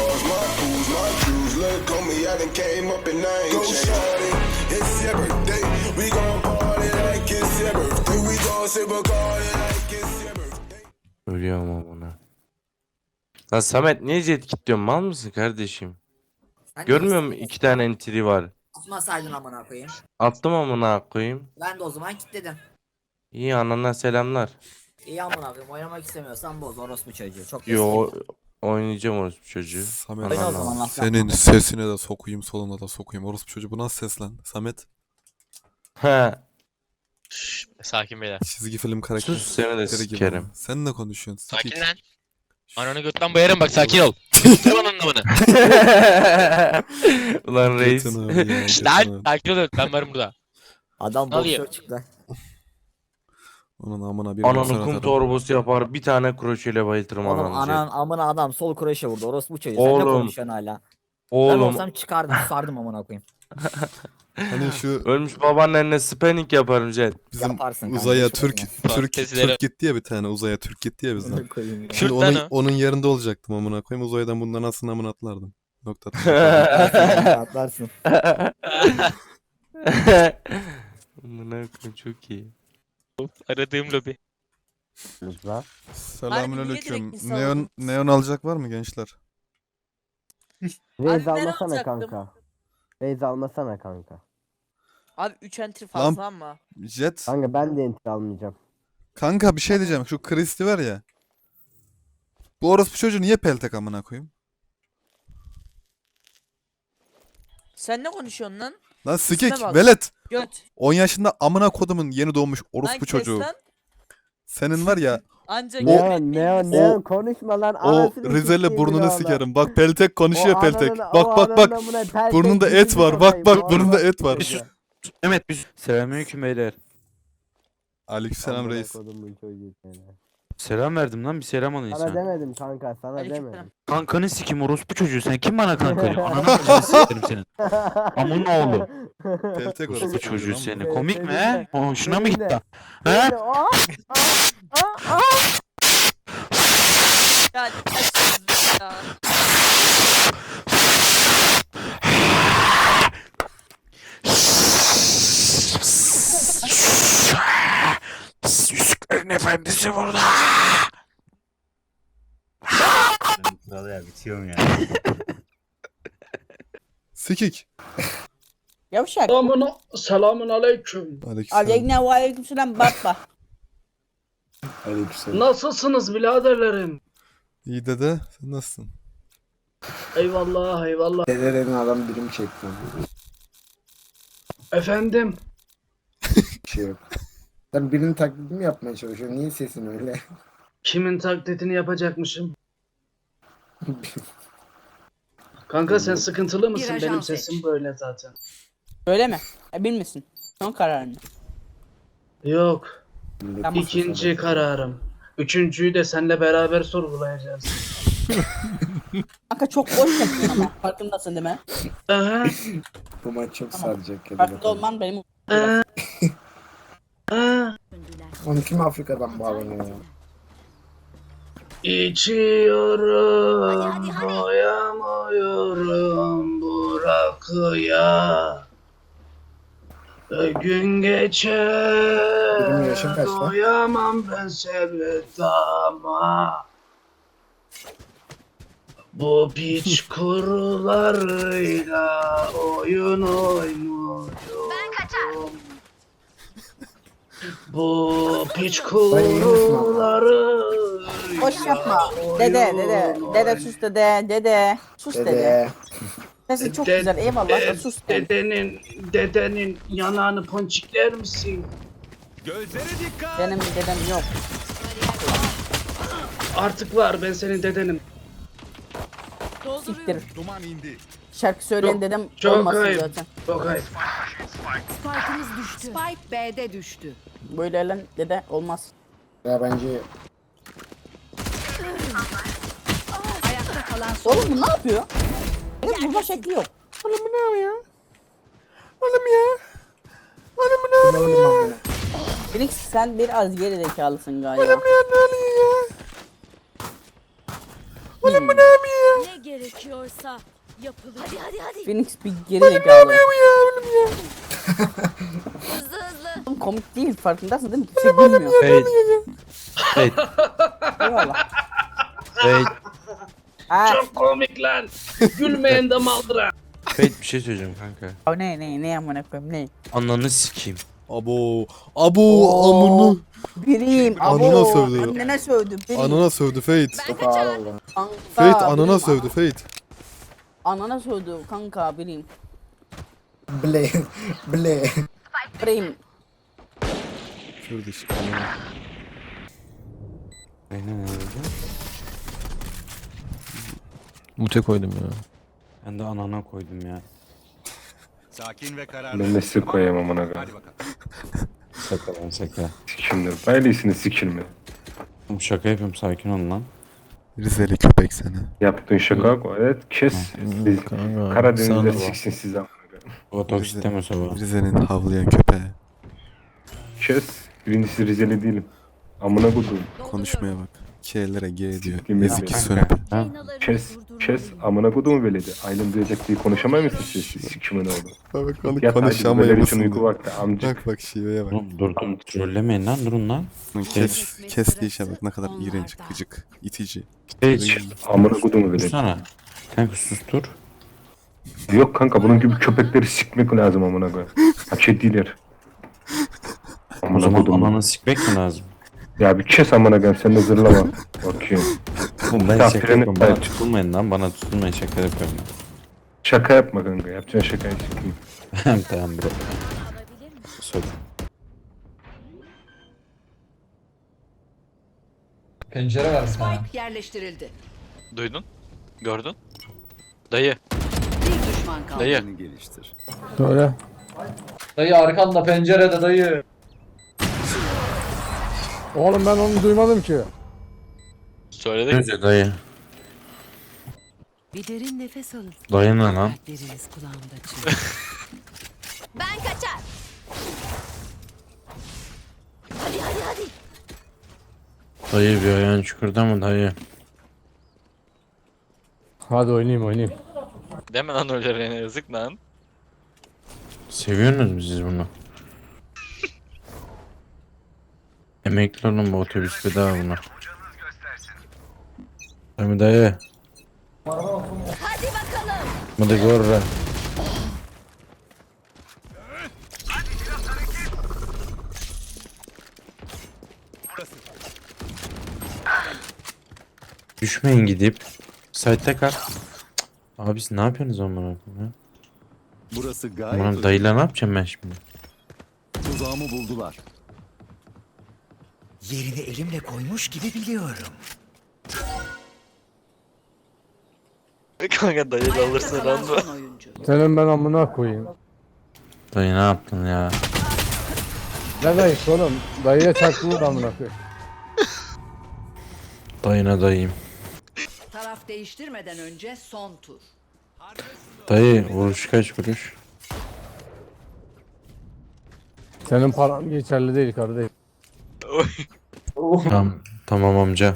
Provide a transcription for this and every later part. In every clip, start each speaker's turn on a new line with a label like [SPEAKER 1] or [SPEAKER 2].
[SPEAKER 1] cars, my booze, my jewels. Look on me, I done came up and I ain't changed. Go shawty, it's your birthday. We gon' party like it's your birthday. We gon' sip a party like it's your birthday.
[SPEAKER 2] Ölüyorum amına. Lan Samet niye jet kilitliyorsun? Mal mısın kardeşim?
[SPEAKER 3] Sen
[SPEAKER 2] Görmüyor
[SPEAKER 3] niye
[SPEAKER 2] musun? 2 tane entry var.
[SPEAKER 3] atmasaydın amına koyayım.
[SPEAKER 2] Attım amına koyayım.
[SPEAKER 3] Ben de o zaman kilitledim.
[SPEAKER 2] İyi anana selamlar.
[SPEAKER 3] İyi amına koyayım, oynamak istemiyorsan boz orospu çocuğu. Çok
[SPEAKER 2] Yo oynayacağım orospu çocuğu.
[SPEAKER 4] Samet,
[SPEAKER 3] Oyna o
[SPEAKER 2] Ananı
[SPEAKER 3] zaman
[SPEAKER 2] al.
[SPEAKER 3] lan.
[SPEAKER 4] senin sesine de sokuyum, soluna da sokuyum. Orospu çocuğu, bu nasıl ses lan? Samet,
[SPEAKER 2] He.
[SPEAKER 5] Şşş, sakin beyler.
[SPEAKER 4] çizgi film karakteri.
[SPEAKER 2] Sus seni de
[SPEAKER 4] gibi
[SPEAKER 2] sikerim.
[SPEAKER 4] ama. Sen ne konuşuyorsun?
[SPEAKER 5] Sakin
[SPEAKER 4] Sikik.
[SPEAKER 5] lan. Ananı götten bayarım bak, sakin ol. Tamam anlamını.
[SPEAKER 2] Ulan reis.
[SPEAKER 4] Götün abi ya,
[SPEAKER 5] Şşş
[SPEAKER 4] götün
[SPEAKER 5] lan,
[SPEAKER 4] abi.
[SPEAKER 5] sakin ol, ben varım burada.
[SPEAKER 3] Adam
[SPEAKER 5] Ne oluyor?
[SPEAKER 3] boksör çıktı.
[SPEAKER 4] Onun amına bir
[SPEAKER 2] Ananı
[SPEAKER 4] boksör
[SPEAKER 2] kum
[SPEAKER 4] atarım.
[SPEAKER 2] torbası yapar. Bir tane kroşeyle bayıltırım
[SPEAKER 3] Oğlum
[SPEAKER 2] ananı.
[SPEAKER 3] anan amına adam sol kroşe vurdu orospu çocuğu. Sen ne
[SPEAKER 2] Oğlum.
[SPEAKER 3] konuşuyorsun hala? Ben
[SPEAKER 2] Oğlum
[SPEAKER 3] olsam çıkardım sardım amına koyayım.
[SPEAKER 4] Hani şu
[SPEAKER 2] ölmüş babaannenle spinning yaparım jet.
[SPEAKER 4] bizim
[SPEAKER 3] Yaparsın kanka,
[SPEAKER 4] uzaya
[SPEAKER 3] hiç
[SPEAKER 4] Türk
[SPEAKER 3] uğraşma.
[SPEAKER 5] Fantezileri-
[SPEAKER 4] Türk gitti ya bir tane, uzaya Türk gitti ya bizden.
[SPEAKER 3] Amına koyayım ya.
[SPEAKER 4] Şimdi
[SPEAKER 5] Kürt lan
[SPEAKER 4] onun,
[SPEAKER 5] o.
[SPEAKER 4] onun yerinde olacaktım amına koyayım. Uzaydan bundan aslında amına atlardım. Nokta.
[SPEAKER 3] Atlarsın.
[SPEAKER 2] Amına koyayım çok iyi.
[SPEAKER 5] Aradığım lobi.
[SPEAKER 4] Selamünaleyküm.
[SPEAKER 6] direkt
[SPEAKER 4] Neon alacak var mı gençler?
[SPEAKER 6] Abi
[SPEAKER 7] Raze
[SPEAKER 6] ben
[SPEAKER 7] almasana
[SPEAKER 6] alacaktım.
[SPEAKER 7] kanka. Raze almasana kanka.
[SPEAKER 6] Abi 3 entry fazla ama.
[SPEAKER 4] Jet.
[SPEAKER 7] Kanka ben de enter almayacağım.
[SPEAKER 4] Kanka bir şey diyeceğim. Şu Kristi var ya. Bu orospu çocuğu niye peltek amına koyayım?
[SPEAKER 6] Sen ne konuşuyorsun lan?
[SPEAKER 4] Lan sikik,
[SPEAKER 6] İsme bak.
[SPEAKER 4] velet.
[SPEAKER 6] Göt.
[SPEAKER 4] 10 yaşında amına kodumun yeni doğmuş
[SPEAKER 6] Lan
[SPEAKER 4] orospu
[SPEAKER 6] kes
[SPEAKER 4] çocuğu.
[SPEAKER 6] lan.
[SPEAKER 4] Senin var ya
[SPEAKER 6] Ancak
[SPEAKER 7] Neon konuşma lan.
[SPEAKER 4] o
[SPEAKER 7] anasını
[SPEAKER 4] Rizeli
[SPEAKER 7] sikeyim
[SPEAKER 4] burnunu
[SPEAKER 7] oğlum.
[SPEAKER 4] sikerim. Bak peltek konuşuyor
[SPEAKER 7] O
[SPEAKER 4] peltek.
[SPEAKER 7] ananın-
[SPEAKER 4] Bak
[SPEAKER 7] o
[SPEAKER 4] bak bak.
[SPEAKER 7] ananın amına peltek
[SPEAKER 4] Burnunda et
[SPEAKER 7] yüzünü
[SPEAKER 4] var. Bak
[SPEAKER 7] sokayım,
[SPEAKER 4] bak
[SPEAKER 7] o
[SPEAKER 4] burnunda
[SPEAKER 7] orospu
[SPEAKER 4] et var.
[SPEAKER 7] çocuğu.
[SPEAKER 2] Mehmet bir selamünaleyküm beyler.
[SPEAKER 4] Aleykümselam
[SPEAKER 7] Amına
[SPEAKER 4] reis.
[SPEAKER 7] kodumun çocuğu seni.
[SPEAKER 8] Selam verdim lan, bir selam alın
[SPEAKER 7] Sana
[SPEAKER 8] insan.
[SPEAKER 7] demedim kanka, sana
[SPEAKER 6] Aleykümselam.
[SPEAKER 7] demedim.
[SPEAKER 8] Kankanı sikim orospu çocuğu, sen kim bana kanka diyor? Ananı bacını sikerim senin. Amın oğlu.
[SPEAKER 4] Peltek
[SPEAKER 8] Orospu
[SPEAKER 4] orospu
[SPEAKER 8] çocuğu
[SPEAKER 4] lan bu.
[SPEAKER 8] seni. Komik mi he? Hoşuna mı
[SPEAKER 7] Seninle.
[SPEAKER 8] gitti? He?
[SPEAKER 7] Seninle- Aa!
[SPEAKER 6] ya açsınız ya.
[SPEAKER 8] Yüzüklerin efendisi burada.
[SPEAKER 9] Kral ya, bitiyorum ya.
[SPEAKER 4] Sikik.
[SPEAKER 10] Yavşak.
[SPEAKER 11] Selamun aleyküm.
[SPEAKER 4] Aleykümselam.
[SPEAKER 10] Aleyna ve aleykümselam baba.
[SPEAKER 11] Nasılsınız biraderlerim?
[SPEAKER 4] İyi dede. Sen nasılsın?
[SPEAKER 11] Eyvallah eyvallah.
[SPEAKER 7] Dedelerin adam birim çekti.
[SPEAKER 11] Efendim?
[SPEAKER 7] Bir şey yok. Sen birinin taklidini mi yapmaya çalışıyorsun? Niye sesin öyle?
[SPEAKER 11] Kimin taklidini yapacakmışım? Kanka sen sıkıntılı mısın?
[SPEAKER 6] ajan
[SPEAKER 11] Benim
[SPEAKER 6] seç.
[SPEAKER 11] sesim böyle zaten.
[SPEAKER 10] Öyle mi? Bilmesin. Son kararını.
[SPEAKER 11] Yok.
[SPEAKER 10] Tamam.
[SPEAKER 11] İkinci kararım. Üçüncüyü de seninle beraber sorgulayacağız.
[SPEAKER 10] Kanka çok boş yapıyorsun ama. Farkındasın değil mi?
[SPEAKER 11] Aha.
[SPEAKER 7] Bu maç çok
[SPEAKER 10] Tamam.
[SPEAKER 7] saracak ya.
[SPEAKER 10] Farkında olman benim.
[SPEAKER 11] Aha. Aha.
[SPEAKER 7] Onu kim Afrika'dan bağlanıyor ya?
[SPEAKER 11] İçiyorum, doyamıyorum bu rakıya. Gün geçer,
[SPEAKER 7] Benim yaşım kaç lan?
[SPEAKER 11] doyamam ben sevdama. Bu piç kurularıyla oyun oynuyorum. Bu piç kuruları.
[SPEAKER 10] Boş yapma. Dede sus dede. Sus dede.
[SPEAKER 7] Dede.
[SPEAKER 10] Sesin çok güzel eyvallah da sus dede.
[SPEAKER 11] Dedenin yanağını ponçikler misin?
[SPEAKER 10] Benim dedem yok.
[SPEAKER 11] Artık var, ben senin dedenim.
[SPEAKER 10] Siktir. Şarkı söyleyen
[SPEAKER 11] Çok-
[SPEAKER 10] dedem
[SPEAKER 11] çok
[SPEAKER 10] olmasın
[SPEAKER 11] ayıp.
[SPEAKER 10] zaten.
[SPEAKER 11] Çok ayıp.
[SPEAKER 6] Spike'ımız düştü. Spike B'de düştü.
[SPEAKER 10] Böyle lan dede olmaz.
[SPEAKER 7] Ya bence
[SPEAKER 6] Ayakta kalan son.
[SPEAKER 10] Oğlum bu ne yapıyor? Benim vurma şekli yok. Phoenix sen biraz geri zekalısın galiba.
[SPEAKER 6] Ne gerekiyorsa yapılır. Hadi.
[SPEAKER 10] Phoenix bir geri zekalı. Hızlı. Komik değil farkındasın değil mi? Kimse bilmiyor.
[SPEAKER 2] Fate. Fate.
[SPEAKER 10] Eyvallah.
[SPEAKER 2] Fate.
[SPEAKER 10] Ha.
[SPEAKER 11] Çok komik lan. Gülmeyen de maldıra.
[SPEAKER 2] Fate bir şey söyleyeceğim kanka.
[SPEAKER 10] O ne amına koyayım ne?
[SPEAKER 2] Ananı sikeyim.
[SPEAKER 4] Abo amını.
[SPEAKER 10] Biriyim.
[SPEAKER 4] Anana
[SPEAKER 10] Abo.
[SPEAKER 4] sövdü.
[SPEAKER 10] Annene sövdü. Biriyim.
[SPEAKER 4] Anana sövdü Fate.
[SPEAKER 7] Çok ağır oldu.
[SPEAKER 10] Kanka,
[SPEAKER 4] Fate anana
[SPEAKER 10] biriyim.
[SPEAKER 4] sövdü Fate.
[SPEAKER 10] Anana sövdü kanka biriyim.
[SPEAKER 7] Ble.
[SPEAKER 10] Biriyim.
[SPEAKER 4] Şurada işte.
[SPEAKER 2] Aynen öyle.
[SPEAKER 8] Mute koydum ya.
[SPEAKER 2] Ben de anana koydum ya.
[SPEAKER 9] Sakin ve kararlı.
[SPEAKER 12] Ben de sizi koyayım amına koyayım.
[SPEAKER 9] Hadi bakalım.
[SPEAKER 2] Şaka lan şaka.
[SPEAKER 12] Sikimdir. Böylesini sikilme.
[SPEAKER 2] Oğlum şaka yapıyorum, sakin ol lan.
[SPEAKER 4] Rizeli köpek seni.
[SPEAKER 12] Yaptığın şaka evet kes. Siz Karadeniz'de
[SPEAKER 8] sana-
[SPEAKER 12] siksin siz amına koyayım.
[SPEAKER 2] Otobüs deme sabah.
[SPEAKER 4] Rize'nin havlayan köpeği.
[SPEAKER 12] Kes. Birincisi Rizeli değilim. Amına koyduğum.
[SPEAKER 4] Konuşmaya bak. K'lere G diyor.
[SPEAKER 12] Siktim
[SPEAKER 4] Ezik
[SPEAKER 12] ya.
[SPEAKER 4] sönüp.
[SPEAKER 2] Ha?
[SPEAKER 12] Kes amına koyduğumu veledi. Aylin duyacak diye konuşamay mısın siz? Sikimin oldu.
[SPEAKER 4] Bak onu
[SPEAKER 12] Yat hadi
[SPEAKER 4] konuşamayı
[SPEAKER 12] bebeler için uyku
[SPEAKER 4] mısın?
[SPEAKER 12] vakti amcık.
[SPEAKER 4] Bak şiveye bak.
[SPEAKER 2] Oğlum dur trollemeyin lan, durun lan.
[SPEAKER 4] Kes diyişe bak ne kadar iğrenç, gıcık, itici.
[SPEAKER 2] Hiç.
[SPEAKER 12] Amına koyduğumu veledi.
[SPEAKER 2] Dursana. Kanka sustur.
[SPEAKER 12] Yok kanka bunun gibi köpekleri sikmek lazım amına koyayım. Hak ettiler.
[SPEAKER 2] O
[SPEAKER 12] Amına
[SPEAKER 2] zaman
[SPEAKER 12] koyduğum.
[SPEAKER 2] ananı sikmek mi lazım?
[SPEAKER 12] Ya bir kes amına koyayım sen de zırlama. Bakayım.
[SPEAKER 2] Oğlum ben
[SPEAKER 12] Ya
[SPEAKER 2] şaka
[SPEAKER 12] freni-
[SPEAKER 2] yapıyorum, bana tutulmayın lan, bana tutulmayın, şaka yapıyorum
[SPEAKER 12] Şaka yapma kanka. Yapacağın şakayı sikeyim.
[SPEAKER 2] ben. Tamam bro. Sor.
[SPEAKER 11] Pencere var
[SPEAKER 6] Spike yerleştirildi.
[SPEAKER 5] Duydun? Gördün? Dayı.
[SPEAKER 6] Bir düşman kaldı.
[SPEAKER 5] Dayı.
[SPEAKER 8] Söyle.
[SPEAKER 11] Dayı arkanda pencerede dayı.
[SPEAKER 8] Oğlum ben onu duymadım ki.
[SPEAKER 5] Söyledik.
[SPEAKER 2] Önce dayı.
[SPEAKER 6] Bir derin nefes alın.
[SPEAKER 2] Dayı ne lan?
[SPEAKER 6] Deriniz kulağımda çınlıyor. Ben kaçar. Hadi.
[SPEAKER 2] Dayı bir ayağın çukurda mı dayı?
[SPEAKER 8] Hadi oynayayım.
[SPEAKER 5] Deme lan öyle Rene, yazık lan.
[SPEAKER 2] Seviyorsunuz mu siz bunu? Emekli olun, bu otobüs bedava buna. Dayı dayı.
[SPEAKER 6] Hadi bakalım.
[SPEAKER 2] Hadi gorra. Düşmeyin gidip. Site'de kal. Abi siz ne yapıyorsunuz amına koyayım ya?
[SPEAKER 9] Burası gayet
[SPEAKER 2] Aman dayıyla ne yapacağım ben şimdi?
[SPEAKER 9] tuzağımı buldular.
[SPEAKER 11] Yerini elimle koymuş gibi biliyorum.
[SPEAKER 5] Kanka dayı da
[SPEAKER 6] Ayakta
[SPEAKER 5] alırsın
[SPEAKER 6] kalan
[SPEAKER 5] lan.
[SPEAKER 6] son oyuncu.
[SPEAKER 8] Senin ben amına koyayım.
[SPEAKER 2] Dayı ne yaptın ya?
[SPEAKER 8] Ne dayısı oğlum? Dayıya çaktın da amına koyayım.
[SPEAKER 2] Dayına dayıyım.
[SPEAKER 6] Taraf değiştirmeden önce son tur.
[SPEAKER 2] Dayı vuruş kaç vuruş?
[SPEAKER 8] Senin paran geçerli değil kardeşim.
[SPEAKER 2] Tamam amca.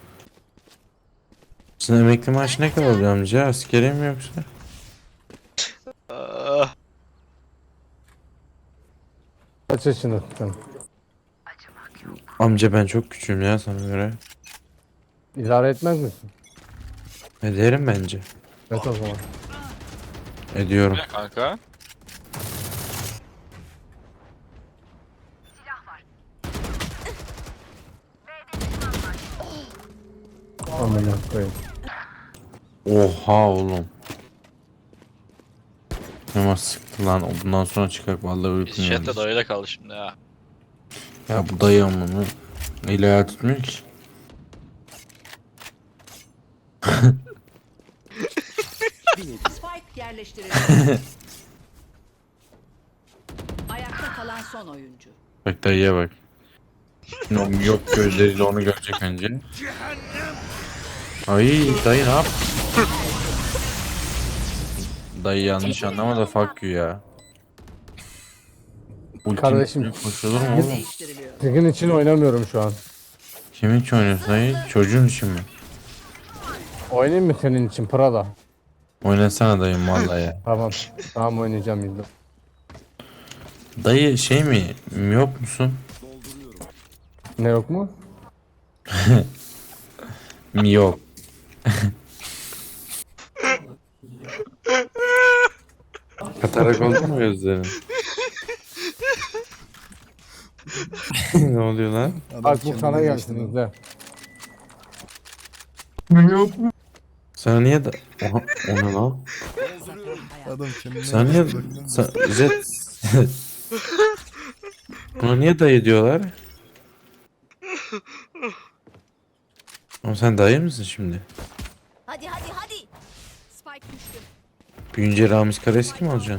[SPEAKER 2] Sizin emekli maaşı ne kadar oluyor amca? Askeri mi yoksa?
[SPEAKER 5] Ah,
[SPEAKER 8] Kaç yaşındasın?
[SPEAKER 2] Amca ben çok küçüğüm ya sana göre.
[SPEAKER 8] İdare etmez misin?
[SPEAKER 2] Ederim bence.
[SPEAKER 8] Evet o zaman.
[SPEAKER 2] Ediyorum.
[SPEAKER 5] kanka.
[SPEAKER 8] Amına koyayım.
[SPEAKER 2] Oha oğlum. Ama sıktı lan. Bundan sonra çıkar vallahi uykum
[SPEAKER 5] Chatte
[SPEAKER 2] geldi.
[SPEAKER 5] dayıyla kaldı şimdi ya.
[SPEAKER 2] Ya bu dayı amını. Neyle hayal tutmuyor ki?
[SPEAKER 6] Spike yerleştirildi. Ayakta kalan son oyuncu.
[SPEAKER 2] Bak dayıya bak. Şimdi o yok gözleriyle onu görecek önce. Ay dayı ne yap? Dayı yanlış anlama da fuck you ya. Ultim
[SPEAKER 8] Kardeşim.
[SPEAKER 2] koşulur mu oğlum?
[SPEAKER 6] Değiştiriliyor.
[SPEAKER 8] Sizin için oynamıyorum şu an.
[SPEAKER 2] Kimin için oynuyorsun dayı? Çocuğun için mi?
[SPEAKER 11] Oynayayım mı senin için Prada?
[SPEAKER 2] Oynasana dayım vallahi ya.
[SPEAKER 11] Tamam. Tamam oynayacağım yüzde.
[SPEAKER 2] Dayı şey mi? Yok musun?
[SPEAKER 11] Ne yok mu?
[SPEAKER 2] Yok. Katarak oldu mu gözlerin? Ne oluyor lan?
[SPEAKER 4] Adam
[SPEAKER 11] Bak bu
[SPEAKER 4] kendine
[SPEAKER 11] sana
[SPEAKER 4] geçti
[SPEAKER 11] gelsin
[SPEAKER 4] lan.
[SPEAKER 11] izle.
[SPEAKER 2] Sana niye da... Oha, o ne lan?
[SPEAKER 4] Adam kendine
[SPEAKER 2] Sana niye...
[SPEAKER 4] geçti bak lan.
[SPEAKER 2] Jet... Buna niye dayı diyorlar? Ama sen dayı mısın şimdi?
[SPEAKER 6] Hadi hadi hadi. Spike düştü.
[SPEAKER 2] Büyünce Ramiz Kareski mi olacaksın?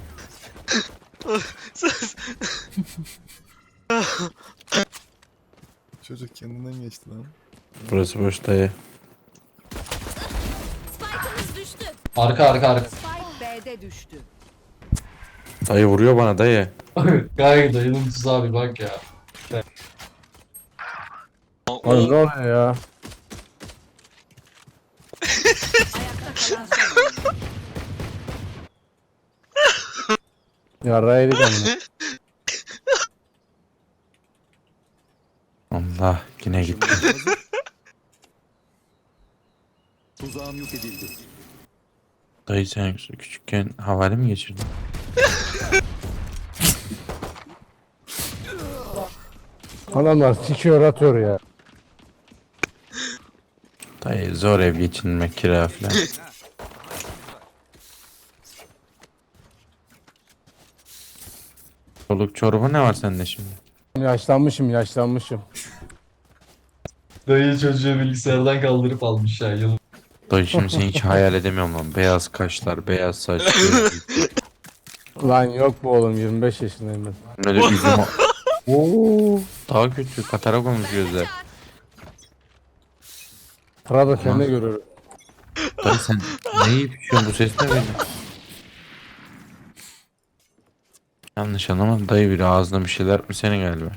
[SPEAKER 4] Çocuk kendinden geçti lan.
[SPEAKER 2] Burası boş dayı.
[SPEAKER 6] Spike'ımız düştü.
[SPEAKER 5] Arka.
[SPEAKER 6] Spike B'de düştü.
[SPEAKER 2] Dayı vuruyor bana dayı.
[SPEAKER 5] Gayet dayının tuzağı bir bak ya.
[SPEAKER 11] Oğlum ne oluyor ya?
[SPEAKER 6] Ayakta kalan son.
[SPEAKER 11] Yarrağı yedik amına.
[SPEAKER 2] Allah yine gitti.
[SPEAKER 9] Tuzağım yok edildi.
[SPEAKER 2] Dayı sen küçükken havale mi geçirdin?
[SPEAKER 11] Adamlar sikiyor atıyor ya.
[SPEAKER 2] Dayı zor ev geçinmek kira falan. Çoluk çorba ne var sende şimdi?
[SPEAKER 11] Yaşlanmışım.
[SPEAKER 5] Dayı çocuğu bilgisayardan kaldırıp almış ya yıl.
[SPEAKER 2] Dayı şimdi seni hiç hayal edemiyorum lan. Beyaz kaşlar, beyaz saç.
[SPEAKER 11] Lan yok bu oğlum 25 yaşındayım ben.
[SPEAKER 2] Böyle üzüm... Oo, daha kötü. Katarak olmuş gözler.
[SPEAKER 11] Prada kendine görür.
[SPEAKER 2] Dayı sen ne yiyip içiyorsun? Bu ses ne böyle? Yanlış anlamadım. Dayı biri ağzına bir şeyler mi senin galiba?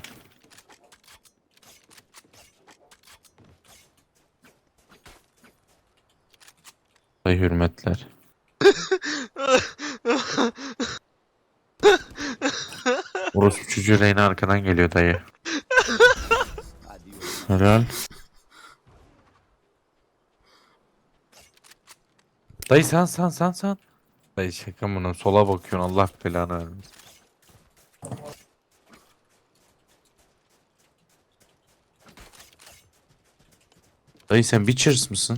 [SPEAKER 2] Dayı hürmetler. Orospu çocuğu Reyna arkadan geliyor dayı. Helal. Dayı san. Dayı şaka mı? Sola bakıyorsun Allah belanı vermesin. Dayı sen Witchers mısın?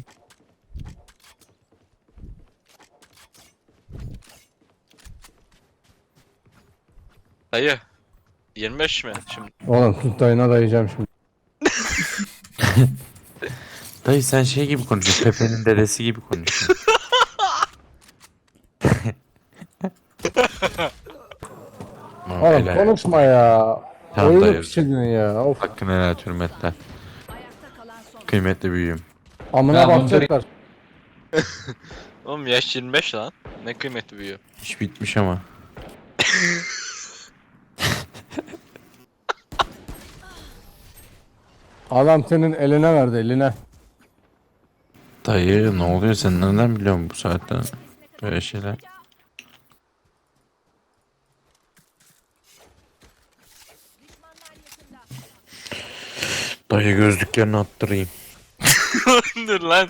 [SPEAKER 5] Dayı. 25 mi şimdi?
[SPEAKER 11] Oğlum tut dayına dayayacağım şimdi.
[SPEAKER 2] Dayı sen şey gibi konuşuyorsun. Pepe'nin dedesi gibi konuşuyorsun. Tamam,
[SPEAKER 11] Oğlum
[SPEAKER 2] helal.
[SPEAKER 11] konuşma ya.
[SPEAKER 2] Tamam
[SPEAKER 11] Oyunu
[SPEAKER 2] dayı.
[SPEAKER 11] pişirdin ya. Of.
[SPEAKER 2] Hakkını helal et, hürmetler.
[SPEAKER 6] Ayakta kalan son.
[SPEAKER 2] Kıymetli büyüğüm.
[SPEAKER 11] Amına
[SPEAKER 5] Ya bunu
[SPEAKER 11] bakacaklar.
[SPEAKER 5] Oğlum yaş 25 lan. Ne kıymetli büyüyor.
[SPEAKER 2] İş bitmiş ama.
[SPEAKER 11] Adam senin eline verdi eline.
[SPEAKER 2] Dayı ne oluyor, sen nereden biliyorsun bu saatten böyle şeyler? Dayı gözlüklerini attırayım.
[SPEAKER 5] Dur lan.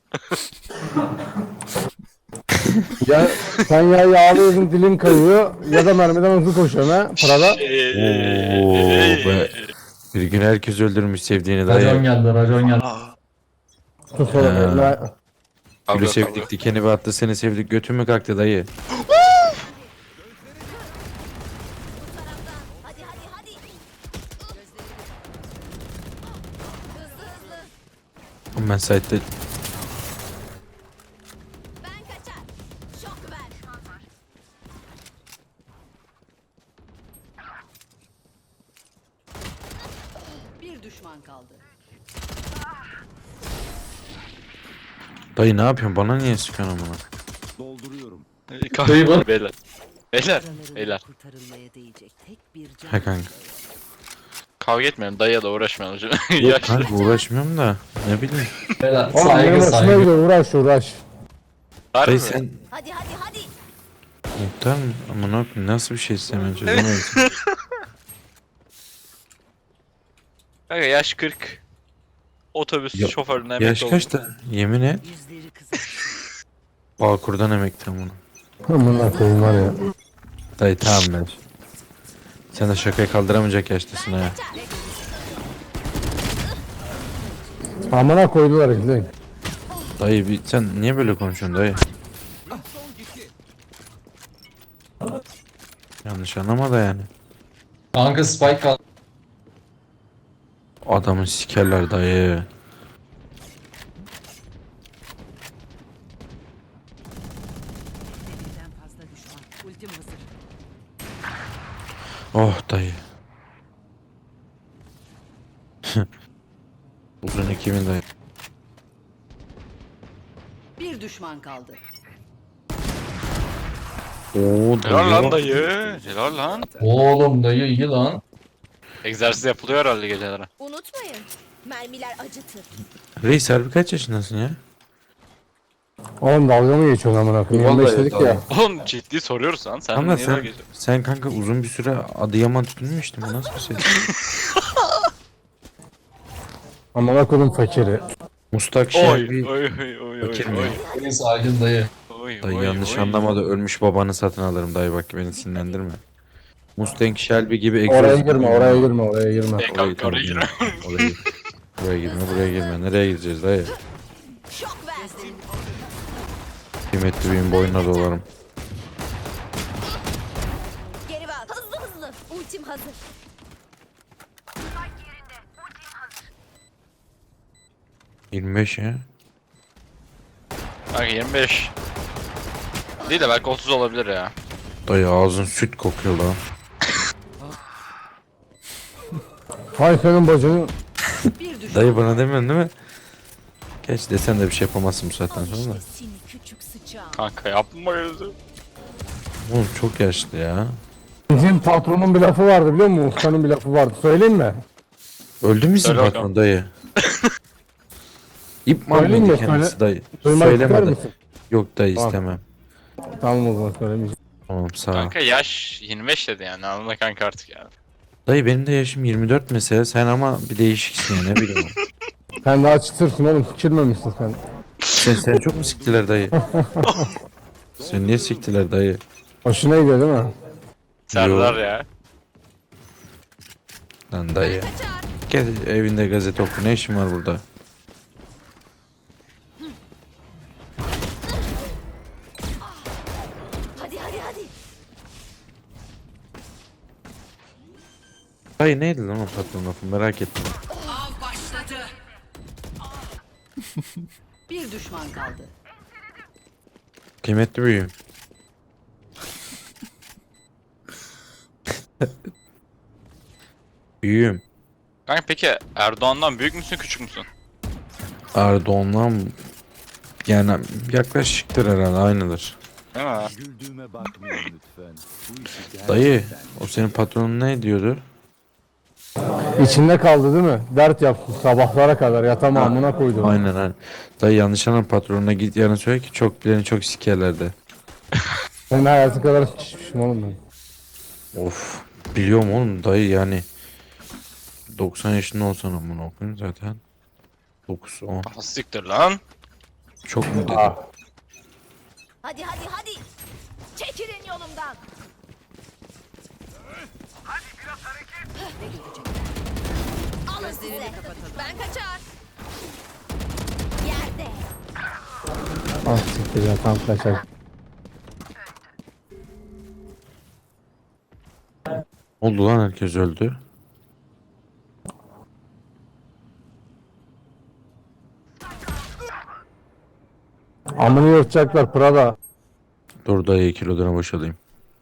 [SPEAKER 11] Ya sen ya yağlıyorsun dilin kayıyor ya da mermiden hızlı koşuyorsun ha Prada.
[SPEAKER 2] Oo be. Bir gün herkes öldürmüş sevdiğini dayı.
[SPEAKER 5] Racon geldi.
[SPEAKER 11] Sus oğlum eline.
[SPEAKER 2] Gülü sevdik dikeni battı, seni sevdik götün mü kalktı dayı?
[SPEAKER 6] Hadi hadi hadi. Hızlı.
[SPEAKER 2] Ben site'de
[SPEAKER 6] Ben kaçar. Şok ver. Bir düşman kaldı.
[SPEAKER 2] dayı ne yapıyorsun, bana niye sıkıyorsun amına?
[SPEAKER 9] Dolduruyorum.
[SPEAKER 5] Kahveyi bana. Beyler. Beyler.
[SPEAKER 6] Kurtarılmaya değecek tek bir can.
[SPEAKER 2] He kanka.
[SPEAKER 5] Kavga etmeyelim. Dayıya da uğraşmayalım.
[SPEAKER 2] Yok
[SPEAKER 5] Yaşlı.
[SPEAKER 2] kanka uğraşmıyorum da. Ne bileyim.
[SPEAKER 11] Oğlum benim hoşuma gidiyor, uğraş.
[SPEAKER 5] Harbi
[SPEAKER 2] Dayı
[SPEAKER 5] mi?
[SPEAKER 2] sen
[SPEAKER 6] Hadi hadi hadi.
[SPEAKER 2] muhtar mı? Ama ne yapayım? Nasıl bir şey istemem çözemedim.
[SPEAKER 5] Kanka yaş 40. Otobüs
[SPEAKER 2] Ya-
[SPEAKER 5] şoförüne emekli
[SPEAKER 2] Yaş
[SPEAKER 5] oldum.
[SPEAKER 2] kaçta? Yemin et.
[SPEAKER 6] Yüzleri kızar.
[SPEAKER 2] Bağkur'dan emekli bunu.
[SPEAKER 11] Amına koyayım var ya.
[SPEAKER 2] Dayı tamam ben. Sen de şakayı kaldıramayacak yaştasın ha.
[SPEAKER 11] Amına koydular işte.
[SPEAKER 2] Dayı sen niye böyle konuşuyorsun dayı? Yanlış anlama da yani.
[SPEAKER 8] Kanka Spike kaldı.
[SPEAKER 2] Adamı sikerler dayı.
[SPEAKER 6] Birden fazla düşman. Ultim hazır.
[SPEAKER 2] Oh dayı. Uzun 2000 dayı.
[SPEAKER 6] Bir düşman kaldı.
[SPEAKER 2] Oo
[SPEAKER 5] Helal lan
[SPEAKER 2] dayı.
[SPEAKER 5] dayı. Helal lan.
[SPEAKER 8] Oğlum dayı iyi lan.
[SPEAKER 5] Egzersiz yapılıyor herhalde gecelere.
[SPEAKER 6] Unutmayın. Mermiler acıtır.
[SPEAKER 2] Reis harbi kaç yaşındasın ya?
[SPEAKER 11] Oğlum dalga mı geçiyorsun amına koyayım?
[SPEAKER 2] Vallahi
[SPEAKER 11] 25 dedik
[SPEAKER 2] dalga.
[SPEAKER 11] ya.
[SPEAKER 5] Oğlum ciddi soruyoruz lan. Sen
[SPEAKER 2] Ama
[SPEAKER 5] niye dalga
[SPEAKER 2] sen,
[SPEAKER 5] geçiyorsun?
[SPEAKER 2] sen kanka uzun bir süre Adıyaman tutulmuştun. Bu nasıl bir şey?
[SPEAKER 11] Amına koydum fakiri.
[SPEAKER 2] Mustak
[SPEAKER 5] Oy
[SPEAKER 2] Şerbi.
[SPEAKER 5] oy oy oy oy
[SPEAKER 2] Fakir mi?
[SPEAKER 5] oy.
[SPEAKER 8] Beni sakin dayı.
[SPEAKER 5] Oy,
[SPEAKER 2] Dayı
[SPEAKER 5] oy,
[SPEAKER 2] yanlış
[SPEAKER 5] oy.
[SPEAKER 2] anlama da ölmüş babanı satın alırım dayı bak beni sinirlendirme. Mustang Shelby gibi
[SPEAKER 11] Oraya
[SPEAKER 2] egzoz.
[SPEAKER 11] girme, oraya girme, oraya girme.
[SPEAKER 5] E,
[SPEAKER 2] Orayı
[SPEAKER 5] kanka
[SPEAKER 2] tamam,
[SPEAKER 5] oraya girme.
[SPEAKER 2] Oraya, buraya girme, buraya girme. Nereye gideceğiz dayı?
[SPEAKER 6] Şok versin.
[SPEAKER 2] Kıymetli benim boynuna dolarım.
[SPEAKER 6] Geri ver. Hızlı hızlı. Ultim hazır.
[SPEAKER 2] 25 ya.
[SPEAKER 5] Kanka 25. Değil de belki 30 olabilir ya.
[SPEAKER 2] Dayı ağzın süt kokuyor lan.
[SPEAKER 11] Hay senin bacını.
[SPEAKER 6] Bir düşman.
[SPEAKER 2] Dayı bana demiyorsun değil mi? Geç desen de bir şey yapamazsın bu saatten sonra da.
[SPEAKER 6] Seni küçük sıçağım.
[SPEAKER 5] Kanka yapma gözü.
[SPEAKER 2] Oğlum çok yaşlı ya.
[SPEAKER 11] Bizim patronun bir lafı vardı biliyor musun? Ustanın bir lafı vardı. Söyleyeyim mi?
[SPEAKER 2] Öldü mü sizin
[SPEAKER 5] Söyle
[SPEAKER 2] patron
[SPEAKER 5] bakalım.
[SPEAKER 2] dayı? İp mi
[SPEAKER 11] Söyleyeyim
[SPEAKER 2] alıyordu
[SPEAKER 11] mi?
[SPEAKER 2] kendisi dayı?
[SPEAKER 11] Duymak ister
[SPEAKER 2] Söylemedi.
[SPEAKER 11] misin?
[SPEAKER 2] Yok dayı
[SPEAKER 11] Tamam.
[SPEAKER 2] istemem.
[SPEAKER 11] Tamam o zaman söylemeyeceğim.
[SPEAKER 2] Tamam sağ ol.
[SPEAKER 5] Kanka yaş 25 dedi yani anla kanka artık yani.
[SPEAKER 2] Dayı benim de yaşım 24 mesela sen ama bir değişiksin ya ne bileyim.
[SPEAKER 11] Sen daha çıtırsın oğlum. Sikirmemişsin sen.
[SPEAKER 2] Sen çok mu siktiler dayı? Sen niye siktiler dayı?
[SPEAKER 11] Hoşuna gidiyor değil mi?
[SPEAKER 5] Serdar ya.
[SPEAKER 2] Lan dayı. Gel evinde gazete oku ne işin var burada?
[SPEAKER 6] Hadi hadi hadi.
[SPEAKER 2] Dayı neydi lan o patron lafı merak ettim.
[SPEAKER 6] Av başladı. Bir düşman kaldı.
[SPEAKER 2] Kıymetli büyüğüm. Büyüğüm.
[SPEAKER 5] Kanka peki Erdoğan'dan büyük müsün küçük müsün?
[SPEAKER 2] Erdoğan'la yani yaklaşıktır herhalde aynıdır.
[SPEAKER 5] Değil mi?
[SPEAKER 9] Güldüğüme bakmayın lütfen. Bu işi
[SPEAKER 2] Dayı o senin patronun ne diyordu?
[SPEAKER 11] İçinde kaldı değil mi? Dert yaptı sabahlara kadar yatamamına koydu.
[SPEAKER 2] Aynen aynen. Dayı yanlış anlam patronuna git yarın söyle ki çok bileni çok sikerler de.
[SPEAKER 11] Senin hayatı kadar sıçmışım oğlum ben.
[SPEAKER 2] Of biliyorum oğlum dayı yani 90 yaşında olsan amına okuyayım zaten 9 10
[SPEAKER 5] Ah, siktir lan.
[SPEAKER 2] çok mu dedim?
[SPEAKER 6] Hadi hadi hadi. Çekilin yolumdan. Hadi biraz hareket. Ne görecekler? Alın size. Ben kaçar. Yerde.
[SPEAKER 11] Ah siktir ya tam kaçar.
[SPEAKER 2] Oldu lan herkes öldü.
[SPEAKER 11] Amını yırtacaklar Prada.
[SPEAKER 2] Dur dayı kilodana boşalayım.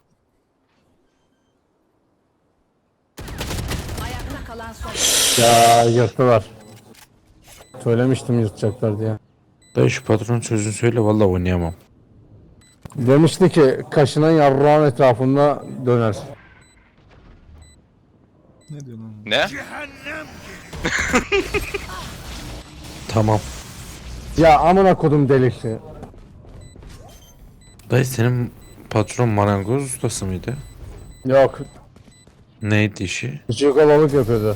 [SPEAKER 6] Ayakta kalan son.
[SPEAKER 11] Ya yırttılar. Söylemiştim yırtacaklar diye.
[SPEAKER 2] Dayı şu patron sözünü söyle vallahi oynayamam.
[SPEAKER 11] Demişti ki kaşınan yarrağın etrafında döner.
[SPEAKER 4] Ne diyorsun lan?
[SPEAKER 5] Ne?
[SPEAKER 2] Tamam.
[SPEAKER 11] Ya amına kodum delisi.
[SPEAKER 2] Dayı senin patron marangoz ustası mıydı?
[SPEAKER 11] Yok.
[SPEAKER 2] Neydi işi?
[SPEAKER 11] Çikolatalık yapıyordu.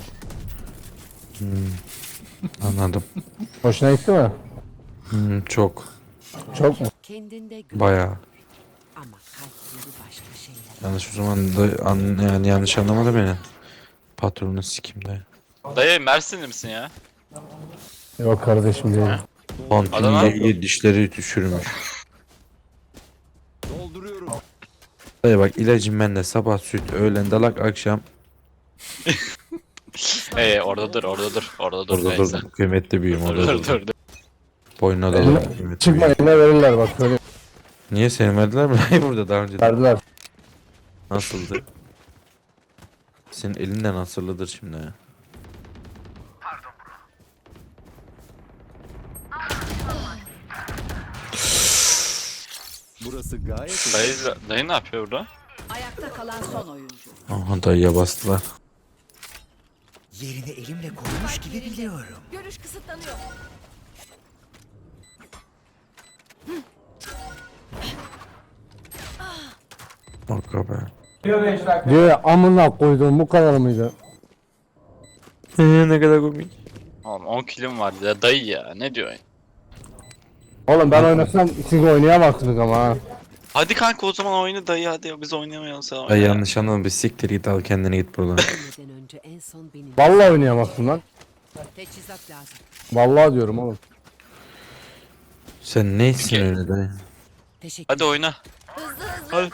[SPEAKER 2] Anladım.
[SPEAKER 11] Hoşuna gitti mi?
[SPEAKER 2] Çok.
[SPEAKER 11] Çok mu?
[SPEAKER 6] Kendinde
[SPEAKER 2] Bayağı.
[SPEAKER 6] ama kalpleri başka şeyler.
[SPEAKER 2] Yanlış o zaman da yani yanlış anlamadı beni. Patronu sikim dayı.
[SPEAKER 5] Dayı Mersinli misin ya?
[SPEAKER 11] Yok kardeşim değil.
[SPEAKER 2] Kontinüye dişleri düşürmüş.
[SPEAKER 9] Dolduruyorum.
[SPEAKER 2] Dayı bak ilacım bende sabah süt, öğlen dalak, akşam.
[SPEAKER 5] Orada dur.
[SPEAKER 2] Orada
[SPEAKER 5] neyse.
[SPEAKER 2] dur kıymetli büyüğüm orada dur.
[SPEAKER 5] Dur.
[SPEAKER 2] Boynuna da dur kıymetli
[SPEAKER 11] Çıkma
[SPEAKER 2] büyüğüm.
[SPEAKER 11] eline verirler bak söyle.
[SPEAKER 2] Niye seni verdiler mi? Hayır burada daha önce.
[SPEAKER 11] Verdiler.
[SPEAKER 2] Nasıldı? Senin elinden nasıldır şimdi ya?
[SPEAKER 9] Burası gayet
[SPEAKER 5] Dayı ne yapıyor burada?
[SPEAKER 6] Ayakta kalan son oyuncu.
[SPEAKER 2] Aha dayıya bastılar.
[SPEAKER 3] Yerini elimle korumuş gibi biliyorum.
[SPEAKER 6] Görüş kısıtlanıyor.
[SPEAKER 2] Bak be.
[SPEAKER 11] Diyor ya amına koydum bu kadar mıydı?
[SPEAKER 2] Ne kadar komik.
[SPEAKER 5] Oğlum 10 kilim var ya dayı ya. Ne diyorsun?
[SPEAKER 11] Oğlum ben oynasam siz oynayamazsınız ama ha.
[SPEAKER 5] Hadi kanka o zaman oyna dayı hadi biz oynayamayalım sen oyna.
[SPEAKER 2] Ay yanlış anladım bir siktir git al kendine git buradan.
[SPEAKER 6] Neden önce en son benim.
[SPEAKER 11] Vallahi oynayamazsın lan.
[SPEAKER 6] Teçhizat lazım.
[SPEAKER 11] Vallahi diyorum oğlum.
[SPEAKER 2] Sen neysin
[SPEAKER 5] Peki.
[SPEAKER 2] öyle dayı?
[SPEAKER 6] Teşekkür.
[SPEAKER 5] Hadi oyna. Hadi.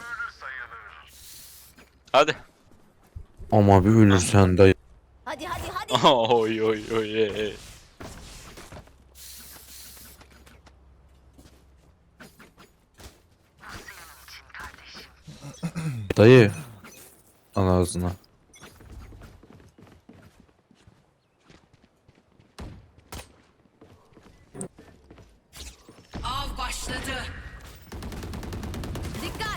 [SPEAKER 5] Hadi.
[SPEAKER 2] Ama bir ölürsen dayı.
[SPEAKER 6] Hadi hadi hadi.
[SPEAKER 5] Oy.
[SPEAKER 2] Dayı. Al ağzına.
[SPEAKER 6] Av başladı. Dikkat.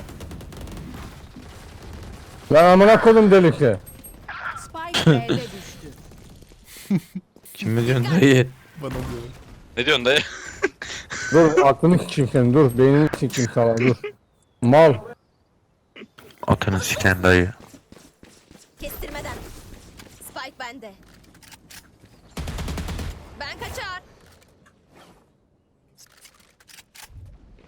[SPEAKER 11] Lan amına kodum delisi.
[SPEAKER 6] Spike B'de düştü.
[SPEAKER 2] Kim mi diyorsun dayı?
[SPEAKER 4] Bana diyor.
[SPEAKER 5] Ne diyorsun dayı?
[SPEAKER 11] Dur aklını sikeyim senin dur. Beynini sikeyim sana dur. Mal.
[SPEAKER 2] Atını siken dayı.
[SPEAKER 6] Kestirmeden. Spike bende. Ben kaçar.